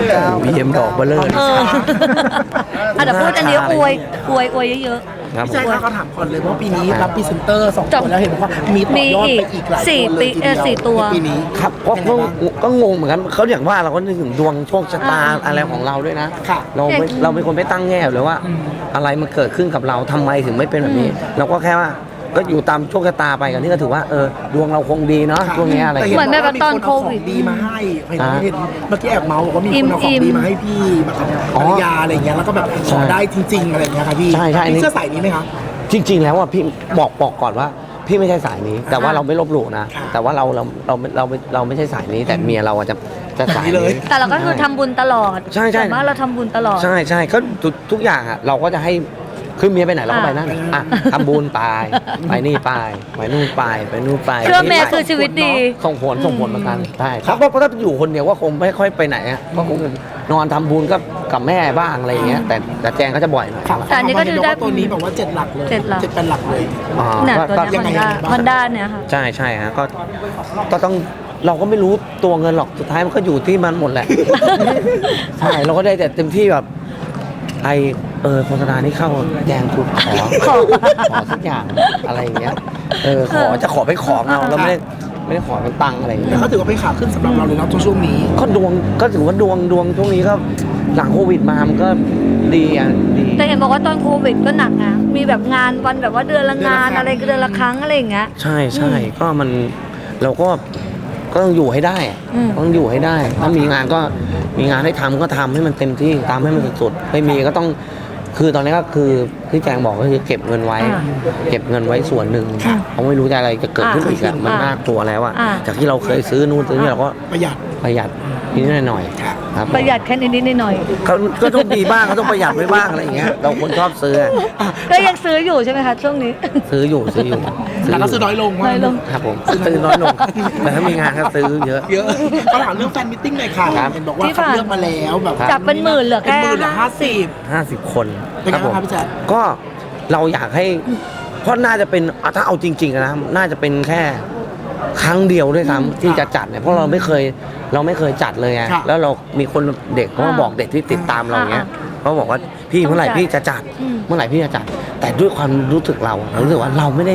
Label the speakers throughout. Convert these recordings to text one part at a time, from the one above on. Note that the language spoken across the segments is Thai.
Speaker 1: BM ดอกเบลอ
Speaker 2: แต่พูดอันนี้อวยเยอะ
Speaker 1: ครับ
Speaker 3: พี่ชายคะเขาถามก่อนเลยว่าปีนี้รับพรีเซนเตอร์2คนแล้วเห็นบอกว่ามีต่อยอดไปอีกหลายตัวเลยทีเดียว
Speaker 2: 4 ตัว
Speaker 3: ปีนี้
Speaker 1: ครับก็งงเหมือนกันเขาอย่างว่าเราก็นึกถึงดวงโชคชะตาอะไรของเราด้วยนะ
Speaker 3: ค่ะ
Speaker 1: เราเป็นคนไม่ตั้งแง่เลยว่า อะไรมันเกิดขึ้นกับเราทำไมถึงไม่เป็นแบบนี้ เราก็แค่ว่าก็อยู่ตามโชคชะตาไปกันที่ก็ถือว่าดวงเราคงดีเนาะช่วงนี้อะไร
Speaker 2: เหมือนแบบตอนโควิด
Speaker 3: ดีมาให้เห็นเมื่อกี้แอบเมาส์บอกว่ามีคนเอาของดีมาให้พี่แบบภรรยาอะไรเงี้ยแล้วก็แบบขอได้จริงๆอะไรเงี้ยค่ะพี่
Speaker 1: ใช่
Speaker 3: พี่เสื้อสายนี้ไหมคะ
Speaker 1: จริง ๆ แล้วอ่ะพี่บอกก่อนว่าพี่ไม่ใช่สายนี้ แต่ว่าเราไม่ลบหลู่นะ แต่ว่าเราไม่ใช่สายนี้ แต่เมียเราจะสายนี้
Speaker 2: แต่เราก็คือทำบุญตลอด
Speaker 1: ใช่
Speaker 2: แต่ว่าเราทำบุญตลอด
Speaker 1: ใช่ก็ทุกอย่างอ่ะเราก็จะให้คือเมียไปไหนเราก็ไปนั่นอ่ะทำบุญไปนี่ไปนู่นไปนู่นไป
Speaker 2: เชื่อเมย์คือชีวิตดี
Speaker 1: ส่งผลเหมือนกันใช่ครับเพราะถ้าอยู่คนเดียวก็คงไม่ค่อยไปไหนอ่ะก็คงนอนทำบุญกับแม่บ้างอะไรอย่างเงี้ยแต่แจงก็จะบ่อยหน่อย
Speaker 2: แต่อันนี้ก็จะได้
Speaker 3: ตัวนี้แบบว่า7 หลักเลย
Speaker 2: 7 หลัก
Speaker 3: 7 เป็นหลักเลย
Speaker 2: เนี่ย
Speaker 1: ก็
Speaker 2: ตัวเนี้ยมันด้านเนี่ยค่ะ
Speaker 1: ใช่ฮะก็ต้องเราก็ไม่รู้ตัวเงินหรอกสุดท้ายมันก็อยู่ที่มันหมดแหละ ใช่เราก็ได้แต่เต็มที่แบบโฆษณานี้เข้าแจงคุณขอสักอย่างอะไรอย่างเงี้ยจะขอไปของเอาแล้วไม่ได้ขอเป็นตังค์อะไรอย่าง
Speaker 3: แต่
Speaker 1: เงี้ย
Speaker 3: เขาถือว่าเป็นขาขึ้นสำหรับเราเลยนะช่วงนี้
Speaker 1: ก็ถือว่าดวงช่วงนี้ก็หลังโควิดมามันก็ดีดี
Speaker 2: แต่เห็นบอกว่าตอนโควิดก็หนักนะมีแบบงานวันแบบว่าเดือนละงานอะไรก็เดือนละครั้งอะไรอย่างเงี้ย
Speaker 1: ใช่ก็เราก็ต้องอยู่ให้ได้ต้องอยู่ให้ได้ถ้ามีงานก็มีงานให้ทำก็ทำให้มันเต็มที่ตามให้มันสุดๆไม่มีก็ต้องคือตอนนี้ก็คือที่แจงบอกก็คือเก็บเงินไว้ส่วนหนึ่งเพราะไม่รู้จะอะไรจะเกิดขึ้นอีกมันน่ากลัวแล้วอะจากที่เราเคยซื้อนู่นซื้อนี่เราก็ประหยัดนิดหน่อยครับ
Speaker 2: ประหยัดแค่นิดๆหน่อย
Speaker 1: ก็ต้องดีบ้างก็ต้องประหยัดไว้บ้างอะไรอย่างเงี้ยเราคนชอบซื้อ
Speaker 2: ก็ยังซื้ออยู่ใช่ไหมคะช่วงนี้
Speaker 1: ซื้ออยู่
Speaker 3: แล้วก็ซื้อน้อยลง
Speaker 1: ครับผมซื้อน้อยลงแต่ถ้ามีงานก็ซื้อเยอะ
Speaker 3: ก็ถามเรื่องแฟนมิทติ้งหน่อยค่ะเห็นบอกว่าคัดเลือกมาแล้วแบบ
Speaker 2: จับเป็นหมื่นเหลือแค่
Speaker 1: 50 คน
Speaker 3: เป็นไงครับพี่แจ๊ค
Speaker 1: ก็เราอยากให้เพราะน่าจะเป็นถ้าเอาจริงๆนะน่าจะเป็นแค่ครั้งเดียวด้วยซ้ำที่จะจัดเนี่ยเพราะเราไม่เคยจัดเลยไงแล้วเรามีคนเด็กเขามาบอกเด็กที่ติดตามเราเงี้ยเขาบอกว่าพี่เมื่อไหร่พี่จะจัดเมื่อไหร่พี่จะจัดแต่ด้วยความรู้สึกเรารู้สึกว่าเราไม่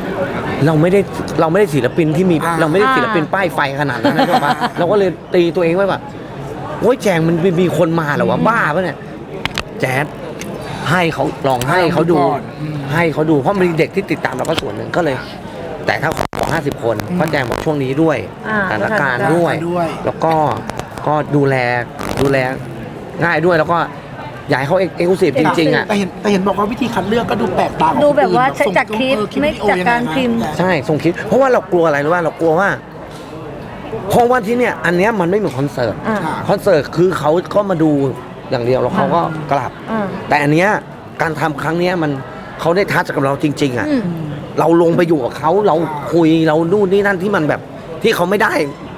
Speaker 1: ได้ศิลปินที่มีเราไม่ได้ศิลปินป้ายไฟขนาดนั้นนะครับเราก็เลยตีตัวเองไว้ว่าโอ้ยแจงมันมีคนมาเหรอวะบ้าปะเนี่ยแจ๊ดให้เขาลองให้เขาดูเพราะมีเด็กที่ติดตามเราก็ส่วนหนึ่งก็เลยแต่ถ้าขอ50 คนเพราะแจงบอกช่วงนี้ด้วยสถานการณ์ด้วยแล้วก็ดูแลง่ายด้วยแล้วก็อยากให้เขาเอ็กซ์คลูซีฟจริงๆอ่ะ
Speaker 3: แต่เห็นบอกว่าวิธีคัดเลือกก็ดูแปลกตา
Speaker 2: ดูแบบว่าจากคลิปไม่จากการพิมพ์
Speaker 1: ใช่ส่งคลิปเพราะว่าเรากลัวอะไรรู้ป่ะเรากลัวว่าเพราะว่าที่เนี่ยอันเนี้ยมันไม่เหมือนคอนเสิร์ตคือเขาก็มาดูอย่างเดียวแล้วเขาก็กลับแต่อันเนี้ยการทำครั้งเนี้ยมันเขาได้ทัชกับเราจริงๆอ่ะเราลงไปอยู่กับเขาเราคุยเรานู่นนี่นั่นที่มันแบบที่เขาไม่ได้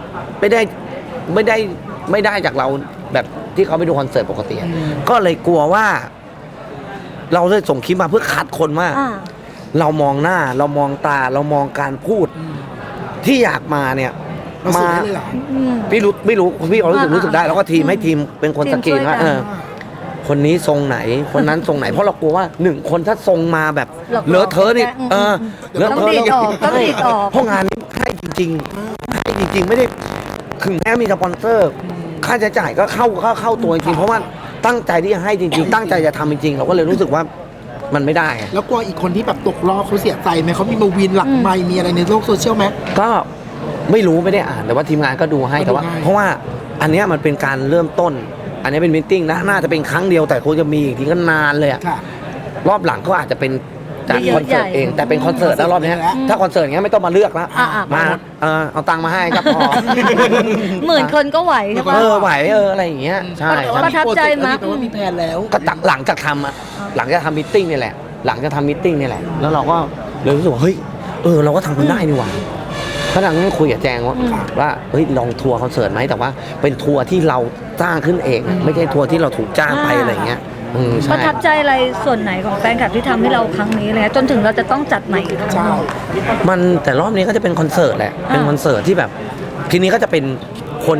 Speaker 1: จากเราแบบที่เขาไปดูคอนเสิร์ตปกติก็เลยกลัวว่าเราเลยส่งคลิปมาเพื่อคัดคนว่าเรามองหน้าเรามองตาเรามองการพูดที่อยากมาเนี่ยมาพี่พี่รู้สึกได้แล้วก็ทีมให้ทีมเป็นคนสกรีนว่าคนนี้ทรงไหนคนนั้นทรงไหนเพราะเรากลัวว่า1 คนถ้าทรงมาแบบเลอะเทอะนี่เลอะเทอะ
Speaker 2: ต้องดีดออก
Speaker 1: เพราะงานนี้ให้จริงไม่ได้ถึงแม้มีสปอนเซอร์ค่าใช้จ่ายก็เข้าตัวจริงเพราะว่าตั้งใจที่จะให้จริงๆตั้งใจจะทำจริงๆเราก็เลยรู้สึกว่ามันไม่ได้
Speaker 3: แล้วกลัวอีกคนที่แบบตกรอบเขาเสียใจไหมเขามีมาวินหลักไมค์มีอะไรในโลกโซเชียลไหม
Speaker 1: ก็ไม่รู้ไม่ได้อ่านแต่ว่าทีมงานก็ดูให้แต่ว่าเพราะว่าอันนี้มันเป็นการเริ่มต้นอันนี้เป็นมีตติ้งนะน่าจะเป็นครั้งเดียวแต่คงจะมีอีกทีก็นานเลยรอบหลังก็อาจจะเป็นจากคอนเสิร์ตเองแต่เป็นคอนเสิร์ตแล้วรอบนี้ถ้าคอนเสิร์ตอย่างเงี้ยไม่ต้องมาเลือกแล้วมาเอาตังค์มาให้ครับพอ
Speaker 2: 10,000 คนก็ไหวใช่ปะ
Speaker 1: ไหวอะไรอย่างเงี้ยใช่
Speaker 2: ประทับใจมั้ย
Speaker 3: แต่ว่ามีแผนแล้ว
Speaker 1: ก็หลังจากทำมีตติ้งนี่แหละแล้วเราก็เลยรู้สึกว่าเฮ้ยเราก็ทำมันได้นี่หว่าก็นั่งคุยกับแจงว่าเฮ้ยลองทัวร์คอนเสิร์ตไหมแต่ว่าเป็นทัวร์ที่เราจ้างขึ้นเองไม่ใช่ทัวร์ที่เราถูกจ้างไปอะไรอย่างเงี้ย
Speaker 2: ประทับใจอะไรส่วนไหนของแฟนคลับที่ทำให้เราครั้งนี้เลยจนถึงเราจะต้องจัดใหม่อีกครั้ง
Speaker 1: มันแต่รอบนี้ก็จะเป็นคอนเสิร์ตแหละเป็นคอนเสิร์ตที่แบบทีนี้ก็จะเป็นคนที่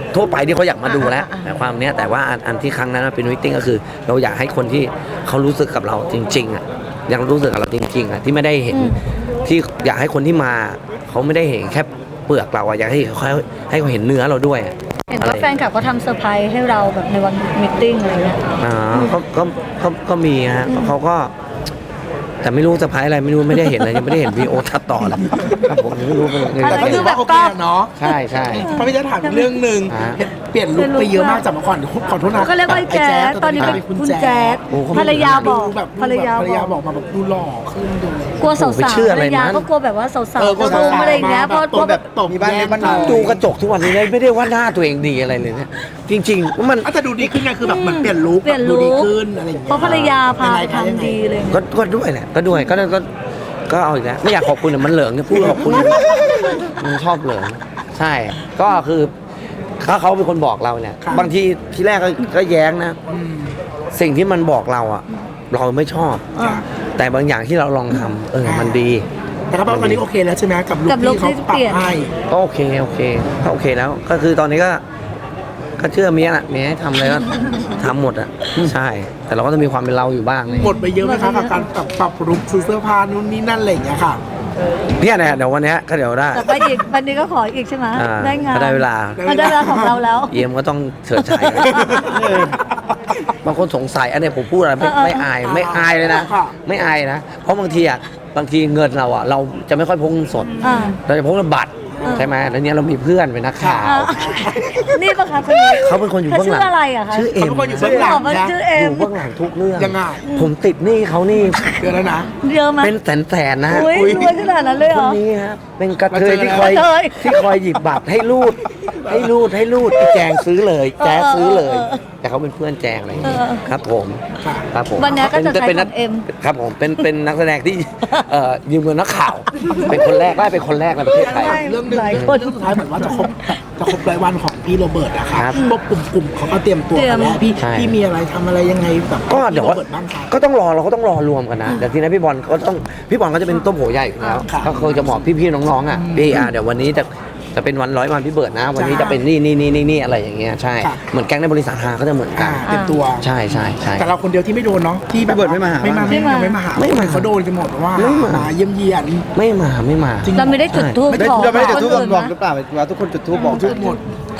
Speaker 1: ทั่วไปที่เขาอยากมาดูแล้วแต่ความเนี้ยแต่ว่าอันที่ครั้งนั้นเป็นมิทติ้งก็คือ เราอยากให้คนที่เขารู้สึกกับเราจริงๆอ่ะยังรู้สึกกับเราจริงๆอ่ะที่ไม่ได้เห็นที่อยากให้คนที่มาเขาไม่ได้เห็นแค่เปลือกเราอ่ะอยากให้เขาเห็นเนื้อเราด้วย
Speaker 2: เห็นว่าแฟนคลับเขาทำเซอร์ไพรส์ให้เราแบบในวันมิทติ้งอะไรเงี้ย
Speaker 1: ก็มีฮะเขาก็แต่ไม่รู้จะพายอะไรไม่รู้ไม่ได้เห็นเลยยังไม่ได้เห็นวีโอตัดต่อเลยครับผมไม่รู้เลย
Speaker 3: แต่ก็ถือว่าโอเคเนาะ
Speaker 1: ใช่ใช่
Speaker 3: พระพี่จะถามอีกเรื่องหนึ่งเปลี่ยนลุคไปเยอะมากจากเมื่อก่อนขอโทษนะ
Speaker 2: ก็เรียกว่าไอ้แจ๊สตอนนี้เป็นคุณแจ๊สภรรยาบอก
Speaker 3: แบบ
Speaker 2: ภรรยา
Speaker 3: บอกมาแบบดูหล่อขึ้นดู
Speaker 2: กลัวสาวๆภรรยาก็กลัวแบบว่าสาวๆจะรุมอะไรอย่างเงี้ยเพราะแบบ
Speaker 3: ตบมีบ้านเล็กบ้านน้อย
Speaker 1: ดูกระจกทุกวันนี้ไม่ได้ว่าหน้าตัวเองดีอะไรเลยเนี่ยจริงๆมัน
Speaker 3: แต่ดูดีขึ้นไงคือแบบเหมือนเปลี่ยนลุคดูดีขึ้นอะไรอย่างเงี้ย
Speaker 2: เพราะภรรยาพาไปทำดีเลย
Speaker 1: ก็ด้วยแหละก็ด้วยก็เอาอีกแล้วไม่อยากขอบคุณแต่มันเหลิงเนี่ยพูดขอบคุณมันชอบเหลิงใช่ก็คือถ้าเขาเป็นคนบอกเราเนี่ยบางทีที่แรกก็แย้งนะสิ่งที่มันบอกเราอ่ะเราไม่ชอบ แต่บางอย่างที่เราลองทำมันดี
Speaker 3: แต่ครับตอนนี้โอเคแล้วใช่ไหมกับลุคที่เขาปรับให้
Speaker 1: ก็โอเคก็โอเคแล้วก็คือตอนนี้ก็เชื่อเมียน่ะเมียให้ทำอะไรก็ทำหมดอ่ะใช่ แต่เราก็จะมีความเป็นเราอยู่บ้างเลย
Speaker 3: หมดไปเยอะไหมคะกับการปรับลุคซื้อเสื้อผ้านู่นนี่นั่นอะไรอย่างเงี้ยค่ะ
Speaker 1: เนี่ยเดี๋ยววันนี้ก็เดี๋ยวได้
Speaker 2: แต่ไปอีกวันนี้ก็ขออีกใช่ไหมได้งาน
Speaker 1: ก็ได้เวลา
Speaker 2: ได้เวลาของเราแล้ว
Speaker 1: เยี่ยมก็ต้องเฉิดฉายบางคนสงสัยอันนี้ผมพูดอะไรไม่อายไม่อายเลยนะไม่อายนะเพราะบางทีเงินเราอ่ะเราจะไม่ค่อยพกเงินสดเราจะพกเงินบัตรใช่ไหมแล้วเนี้ยเรามีเพื่อนเป็นนักข่าว
Speaker 2: นี่ปะคะคนนี้
Speaker 1: เขาเป็นคนอยู่เบื้องหลัง
Speaker 2: ชื่ออะไรอะคะ
Speaker 1: ชื่อเอ็ม
Speaker 3: เขาเป็นคนอยู่เบื้องหลังนะ
Speaker 2: ชื่อเอ็
Speaker 1: อ
Speaker 2: ม
Speaker 1: ยู่เบื้องหลังทุกเรื่อง
Speaker 3: ยังไง
Speaker 1: ผมติดหนี้เขานี่
Speaker 3: เดือนแล้วนะ
Speaker 2: เยอะไหม
Speaker 1: เป็นแสนนะ
Speaker 2: อุ้ยรวยขนาดนั้นเลยเห
Speaker 1: ค
Speaker 2: ร
Speaker 1: น
Speaker 2: อ
Speaker 1: นี้ครับเป็นกระเทย
Speaker 3: มาเจอ
Speaker 1: ที่คอยหยิบบัตรให้รูดไอ้แจงซื้อเลยแจ๊สซื้อเลย แต่เขาเป็นเพื่อนแจงอะไรอย่างเงี้ยครับผมครับผม
Speaker 2: วันนี้ก็จะใช้
Speaker 1: เป็น
Speaker 2: ข
Speaker 1: นั
Speaker 2: อก งเอ็ม
Speaker 1: ครับผมเป็นนักแสดงที่ยืมเงินนักข่าว เป็นคนแรกได้เป็นคนแรกในประเทศไทย
Speaker 2: ใช่
Speaker 3: เรื่องหนึ่ง
Speaker 2: หลาย
Speaker 3: เรื่อง
Speaker 2: คน
Speaker 3: สุดท้ายเหมือนว่าจะครบรายวันของพี่โรเบิร์ตอะค่ะ
Speaker 1: ครับ
Speaker 3: พวกกลุ่มเขาก็เตรียมตัวกันแล้ว
Speaker 1: ใช่
Speaker 3: พี่มีอะไรทำอะไรยังไงแบบ
Speaker 1: ก็เดี๋ยว
Speaker 3: พี่โรเบิร์ตบ้างคะ
Speaker 1: เราก็ต้องรวมกันนะเดี๋ยวทีนี้พี่บอลก็จะเป็นต้มโผใหญ่อยู่แล้ว
Speaker 3: ครับ
Speaker 1: ก็คือจะบอกพี่ๆน้องๆอ่ะพี่เดี๋ยววันนี้จะเป็นวัน100 วันพี่เบิร์ดนะ วันนี้จะเป็นนี่อะไรอย่างเงี้ยใช่
Speaker 3: ค่ะ
Speaker 1: เหมือนแก๊งในบริษัทฮาก็จะเหมือนกัน
Speaker 3: เตรียมตัว
Speaker 1: ใช่
Speaker 3: แต่เราคนเดียวที่ไม่โดนเนาะที่แบบ
Speaker 4: พี่เบิร์ดไม่มาหา
Speaker 3: ไม่มา
Speaker 2: ไม่มา
Speaker 3: ไม่มาหา
Speaker 1: ไม่มา
Speaker 3: เขาโดนกันหมดว่า
Speaker 1: ไม่มา
Speaker 3: มาเยี่ยมเยียน
Speaker 1: ไม่มา
Speaker 3: จริง
Speaker 2: เราไม่ได้จุดทูบ
Speaker 4: ไม่
Speaker 2: ขอ
Speaker 4: เราไม่ได้จุดทูบ
Speaker 2: คนอื่น
Speaker 4: บอก
Speaker 2: นะ
Speaker 4: หรือเปล่าว่าทุกคนจุดทูบบอก
Speaker 3: ทุกหมด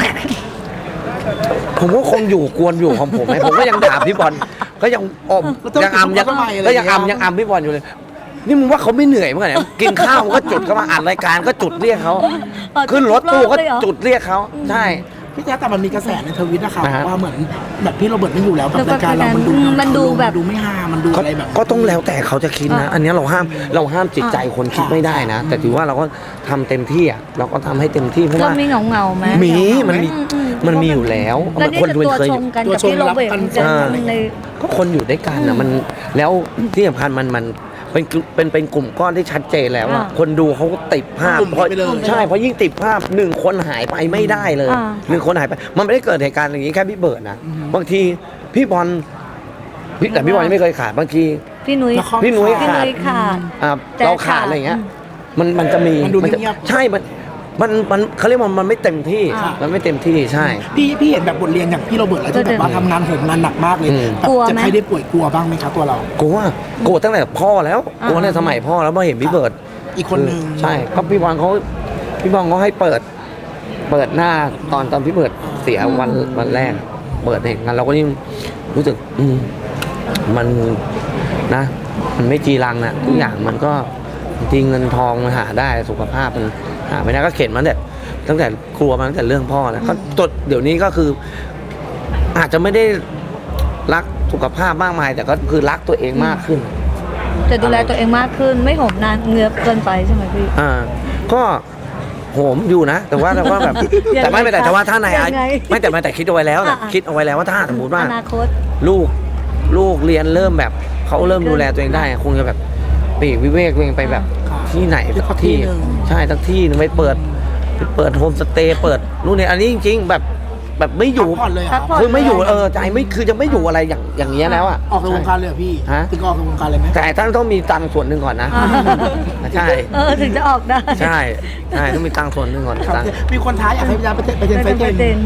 Speaker 1: ผมก็คงกวนอยู่ของผมผมก็ยังด่าพี่บอลก็ยังยังอำยังอำพี่บอลอยู่เลย นี่มึงว่าเขาไม่เหนื่อยมั้งเนี่ยกินข้าวก็จุดเข้ามาอ่านรายการก็จุดเรียกเขาขึ้นรถตู้ก็จุดเรียกเขาใช่
Speaker 3: พี่แจ๊คแต่มันมีกระแสในทวิตนะคะ
Speaker 1: อ่าฮะ
Speaker 3: ว่าเหมือนแบบพี่โรเบิร์ตไม่อยู่แล้วแบบรายการเรามันดูแบบดูไม่ฮามันดูอะไรแบบ
Speaker 1: ก็ต้องแล้วแต่เขาจะคิดนะ อันนี้เราห้ามจิตใจคนคิดไม่ได้นะ แต่ถือว่าเราก็ทำเต็มที่อ่ะเราก็ทำให้เต็มที่เพราะ
Speaker 2: เรา
Speaker 1: ว่า
Speaker 2: มีเงาไหม
Speaker 1: มันมีอยู่แล้ว
Speaker 2: แล้วนี่
Speaker 1: คน
Speaker 2: จะ
Speaker 1: ดู
Speaker 2: ตัว
Speaker 1: เคย
Speaker 2: ชงกันกับพี่โรเบิร์ตจะใน
Speaker 1: ก็คนอยู่ด้วยกันนะมันแล้วที่สำคัญมันเป็นกลุ่มก้อนที่ชัดเจนแล้วอะคนดูเขาก็ติดภาพเพราะใช่เพราะยิ่งติดภาพ1 คนหายไปไม่ได้เลย1 คนหายไปมันไม่ได้เกิดเหตุการณ์อย่างนี้แค่พี่เบิร์ดนะบางทีพี่บอลแต่พี่บอลยังไม่เคยขาดบางที
Speaker 2: พี่นุ้ย
Speaker 1: พี่นุ้ย
Speaker 2: พี่
Speaker 1: ขาด
Speaker 2: นุ้ยขาด
Speaker 1: เราขาดอะไรอย่างเงี้ยมันจะมี
Speaker 3: มันดู
Speaker 1: จะ
Speaker 3: เงียบ
Speaker 1: ใช่มันเขาเรียกว่ามันไม่เต็มที่มันไม่เต็มที่ใช่
Speaker 3: พี่เห็นแบบบทเรียนอย่างพี่โรเบิร์ตแล้วที่แบบว่าทำงานโหมงานหนักมากเลยแบบจะใครได้ป่วยกลัวบ้างไหมคะตัวเรา
Speaker 1: กลัวตั้งแต่พ่อแล้วกลัวตั้งแต่สมัยพ่อแล้วมาเห็นพี่เบิร์ด
Speaker 3: อีกคนนึง
Speaker 1: ใช่ก็พี่บอลเขาให้เปิดหน้าตอนพี่เบิร์ดเสียวันแรกเปิดเห็นกันเราก็ยิ่งรู้สึกมันนะมันไม่จีรังนะทุกอย่างมันก็จริงเงินทองมันหาได้สุขภาพมันหาไม่ได้ก็เข็นมาตั้งแต่กลัวมาตั้งแต่เรื่องพ่อแล้วก็จดเดี๋ยวนี้ก็คือ อาจจะไม่ได้รักสุขภาพมากมาย แต่ก็คือรักตัวเองมากขึ้น
Speaker 2: จะดูแลตัวเองมากขึ้นไม่โหมนานเงือบเกินไปใช่ไหมพี่
Speaker 1: ก็โหมอยู่นะ แต่ว่าแบบ
Speaker 2: ยังไง
Speaker 1: แต่ไม่เป็นไรแต่ว่าถ้าใน
Speaker 2: ยังไง
Speaker 1: ไม่แต่คิดเอาไว้แล้วแต่คิดเอาไว้แล้วว่าถ้าสมมติว่า
Speaker 2: อนาคต
Speaker 1: ลูกเรียนเริ่มแบบเขาเริ่มดูแลตัวเองได้คงจะแบบปลีกวิเวกตัวเองไปแบบที่ไหนสักที่ใช่สักที่นึงไปเปิดโฮมสเตย์เปิดนู่นนี่อันนี้จริงๆแบบไม่อยู่
Speaker 3: พักผ่อนเลย
Speaker 2: พักผ่อน
Speaker 1: คือไม่อยู่ใจไม่คือจะไม่อยู่อะไรอย่างเงี้ยแล้วอ่ะ
Speaker 3: ออกจากวงการเลยเหรอพี่
Speaker 1: ฮะ
Speaker 3: ถึงออกจากวงการเลยไหม
Speaker 1: แต่ต้องมีตังค์ส่วนหนึ่งก่อนนะใช่
Speaker 2: ถึงจะออกได้
Speaker 1: ใช่ต้องมีตังค์ส่วนหนึ่งก่อนตังค์
Speaker 3: มีคนท้าอยากให้พี่แจ๊คไปเทนไฟเทน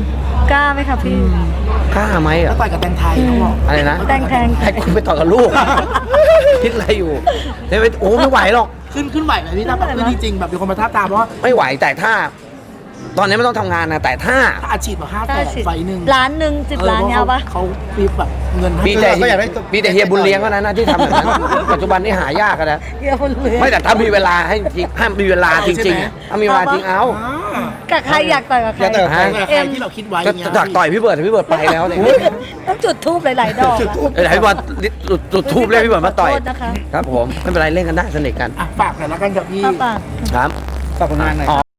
Speaker 2: กล้าไหมคะพี่
Speaker 1: กล้าไหม
Speaker 3: แล้
Speaker 1: อ่ะ
Speaker 3: วต่อยกับแตงไทยเขาบอก
Speaker 1: อะไรนะ
Speaker 2: แตง
Speaker 1: ให้คุณไปต่อกับลูก คิดอะไรอยู่เดี๋ยวไปโอ้ไม่ไหวหรอก
Speaker 3: ขึ้นไหวไหมพี่ถ้าแบบขึ้นจริงๆแบบมีคนมาท้าบทามเพราะว่า
Speaker 1: ไม่ไหวแต่ถ้า ตอนนี้ไม่ต้องทำงานนะแต่ถ้า
Speaker 3: ถ้าอาชีพแบบ5
Speaker 2: ถ้า
Speaker 3: แสน
Speaker 2: สิบ
Speaker 3: ไฟหนึ่ง
Speaker 2: ล้านหนึ่ง10 ล้านเอาปะ
Speaker 3: เขาฟีแบบเงินให้
Speaker 1: มีแต่
Speaker 4: ก็อยากได้
Speaker 1: มีแต่เฮียบุญเลี้ยงเท่านั้นนะที่ทำแบบนั้น ปัจจุบันนี่หายากอะนะ
Speaker 2: เยี่ยมเลย
Speaker 1: ไม่แต่ถ้ามีเวลาให้จริงห้ามมีเวลาจริงๆอะถ้ามีเวลาจริงเอา
Speaker 3: อ่า
Speaker 2: กับใครอยากต่อยกับใคร
Speaker 4: อยากต่อยกับใคร
Speaker 3: แต่ใครที่เราคิดไว้
Speaker 1: จะ
Speaker 3: เงี้ย
Speaker 1: จากต่อยพี่เบิร์ดพี่เบิร์ดไปแล้วเนี่ย
Speaker 2: ต้องจุดทูบหลาย ๆ ดอกอะ
Speaker 1: เดี๋ยวให้พี่เบิร์ดจุดทูบเรียกพี่เบิร์ดมาต่อย
Speaker 2: ขอโทษนะคะ
Speaker 1: ครับผมไม่เป็นไรเล่นกันได้สนิทกัน
Speaker 3: อ่ะฝากหน่อยละกันกับพี่
Speaker 2: ป้าป่า
Speaker 1: ครับ
Speaker 4: ฝากผลงานหน่อย
Speaker 1: อ๋อ